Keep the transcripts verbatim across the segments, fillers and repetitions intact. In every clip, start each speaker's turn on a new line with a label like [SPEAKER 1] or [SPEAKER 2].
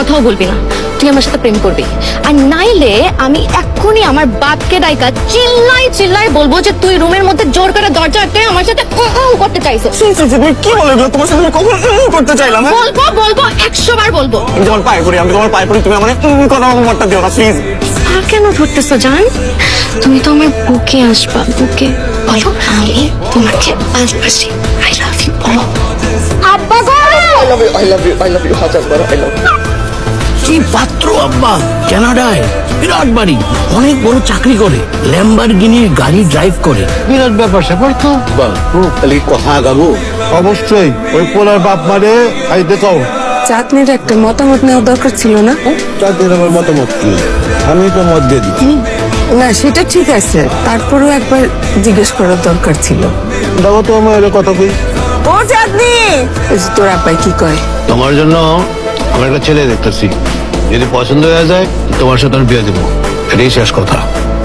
[SPEAKER 1] কথাও বলবি না, তুই আমার সাথে প্রেম করবি। আর নাইলে আমি এক্ষুনি আমার বাপকে ডাইকা চিল্লাই চিল্লাই বলবো যে তুই রুমের মধ্যে জোর করে দরজা আটকে আমার সাথে উম উম করতে চাইছিস।
[SPEAKER 2] তুমি কি বলে এগুলো? তোমার সাথে আমি কখন উম করতে চাইলাম? হ্যাঁ?
[SPEAKER 1] বলবো বলবো একশো বার বলবো।
[SPEAKER 2] আমি তোমার পায়ে পড়ি, আমি তোমার পায়ে পড়ি, তুমি আমার কোনো মতটা দিও না প্লিজ।
[SPEAKER 1] আর কেন ধরতেছো জান? তুমি তো আমার বুকে আসবা, বুকে বলো আমি তোমাকে ভালোবাসি। I love you. আব্বা গো,
[SPEAKER 2] I love you, I love you, I love you হাজার বার আই লাভ ইউ।
[SPEAKER 3] কি পাত্র আব্বা, কানাডায় বিরাট বাড়ি, অনেক বড় চাকরি করে, ল্যাম্বরগিনির গাড়ি ড্রাইভ করে, বিরাট ব্যাপার স্যাপার তো।
[SPEAKER 2] তাহলে কথা আগাবো?
[SPEAKER 4] অবশ্যই ওই পোলার বাপ মানে খাইতে কও।
[SPEAKER 5] চাঁদনির একটা মতামত নেওয়া দরকার ছিল না?
[SPEAKER 4] তাদের আমার মতামত কি, আমি তো মত দিয়ে দিচ্ছি।
[SPEAKER 5] না সেটা ঠিক আছে, তারপরেও একবার জিজ্ঞেস করার দরকার ছিল।
[SPEAKER 4] দেখো তো আমার এর কথা কই।
[SPEAKER 5] ও চাঁদনি, এই যে তোর আব্বাই কি কয়?
[SPEAKER 6] তোমার জন্য আমি একটা ছেলে দেখতেছি, যদি পছন্দ হয়ে যায় তোমার সাথে আমি বিয়ে দেবো, এটাই শেষ কথা।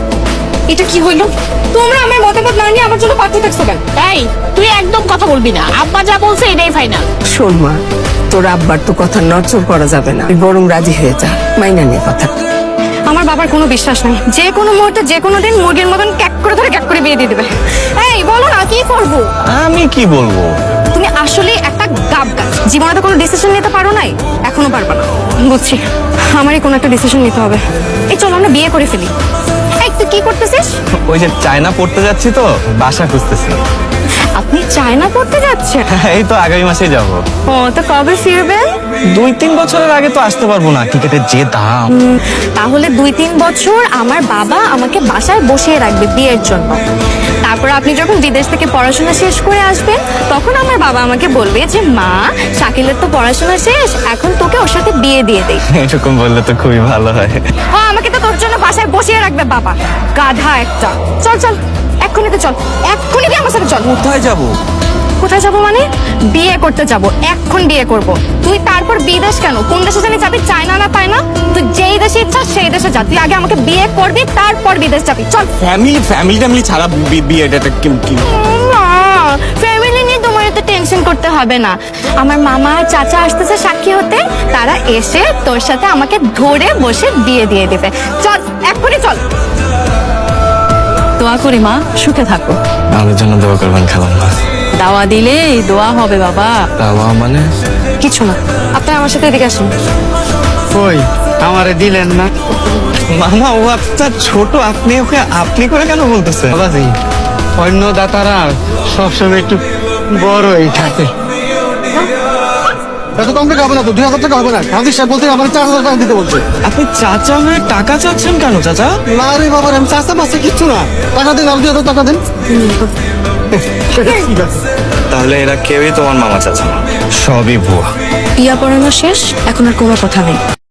[SPEAKER 1] এটা কি হইলো? তোমরা আমার মতামত না নিয়ে আমার জন্য পাঠিয়ে থাকছো কেন?
[SPEAKER 7] এই তুই একদম কথা বলবি না, আব্বা যা বলছে এটাই ফাইনাল।
[SPEAKER 5] শোন মা, তোর আব্বার তো কথা নড়চড় করা যাবে না, তুই বরং রাজি হয়ে যা, মাইনা নিয়ে কথা।
[SPEAKER 1] আমার বাবার কোনো বিশ্বাস নাই, যে কোনো মুহূর্তে যে কোনো দিন মুরগির মতন ক্যাক করে ধরে ক্যাক করে বিয়ে দিয়ে দেবে। এই বলো না কি করবো?
[SPEAKER 2] আমি কি বলবো?
[SPEAKER 1] তুমি আসলে একটা গাব গাছ, জীবনে তো কোনো ডিসিশন নিতে পারো নাই, এখনো পারবা না। বুঝছি, আমারই কোনো একটা ডিসিশন নিতে হবে। এই চলো আমরা বিয়ে করে ফেলি। এই তুই কি করতেছিস?
[SPEAKER 2] ওই যে চায়না পড়তে যাচ্ছি তো, বাসা খুঁজতেছি।
[SPEAKER 1] আপনি চায়না পড়তে যাচ্ছেন?
[SPEAKER 2] এই তো আগামী মাসেই যাব।
[SPEAKER 1] ও তো কবে ফিরবেন?
[SPEAKER 2] দুই তিন বছরের আগে তো আসতে পারবো না, টিকেটের যে দাম।
[SPEAKER 1] তাহলে দুই তিন বছর আমার বাবা আমাকে বাসায় বসিয়ে রাখবে বিয়ের জন্য। তারপর আপনি যখন বিদেশ থেকে পড়াশোনা শেষ করে আসবেন, তখন আমার বাবা আমাকে বলবে যে মা, শাকিলের তো পড়াশোনা শেষ, এখন তোকে ওর সাথে বিয়ে দিয়ে দেই।
[SPEAKER 2] এরকম বললে তো খুবই ভালো হয়।
[SPEAKER 1] ও আমাকে তো তোর জন্য বাসায় বসিয়ে রাখবে বাবা, গাধা একটা। চল চল এক্ষুনি তো চল, এক্ষুনি তুই আমার সাথে চল।
[SPEAKER 2] কোথায় যাব?
[SPEAKER 1] কোথায় যাবো মানে? বিয়ে করতে যাব, এখন বিয়ে করব। তুই তারপর বিদেশ কেন? কোন দেশে জানি যাবি, চায়না না তাই না? তুই যেই দেশে ইচ্ছা সেই দেশে যা, তুই আগে আমাকে বিয়ে করবি, তারপর বিদেশ যাবি। চল।
[SPEAKER 2] ফ্যামিলি ফ্যামিলি ট্যামিলি ছাড়া বি- বিয়েটা কি কি?
[SPEAKER 1] ফ্যামিলি নিয়ে তোমার এত টেনশন করতে হবে না। আমার মামা আর চাচা আসতেছে সাক্ষী হতে, তারা এসে তোর সাথে আমাকে ধরে বসে বিয়ে দিয়ে দেবে। চল এক্ষুনি চল।
[SPEAKER 7] দোয়া করি মা, সুখে থাকো।
[SPEAKER 2] আমাদের জন্য দোয়া করবেন খালাম্মা।
[SPEAKER 7] দাওয়া দিলে দোয়া হবে বাবা।
[SPEAKER 2] দাওয়া মানে?
[SPEAKER 1] কিছু না, আপনি আমার সাথে এদিকে আসুন।
[SPEAKER 4] কই আমারে দিলেন না?
[SPEAKER 2] মামা ও আপনার ছোট, আপনি ওকে আপনি করে কেন বলতেছেন?
[SPEAKER 4] বাবাজি, অন্য দাতারা সবসময় একটু বড়ই থাকে। এত কম টাকা হবে না তো, দুই হাজার টাকা হবে না? কাজী সাহেব বলতে আমার চার হাজার টাকা দিতে বলছে।
[SPEAKER 2] আপনি চাচা হয়ে টাকা চাচ্ছেন কেন চাচা?
[SPEAKER 4] না রে বাবা, আমি চাষা মাসে কিচ্ছু না, টাকা দিন, আর দুই হাজার টাকা দিন। ঠিক আছে।
[SPEAKER 2] তাহলে এরা কেউই তোমার মামা চাচা না, সবই ভুয়া।
[SPEAKER 1] বিয়া পড়ানো শেষ, এখন আর কোনো কথা নেই।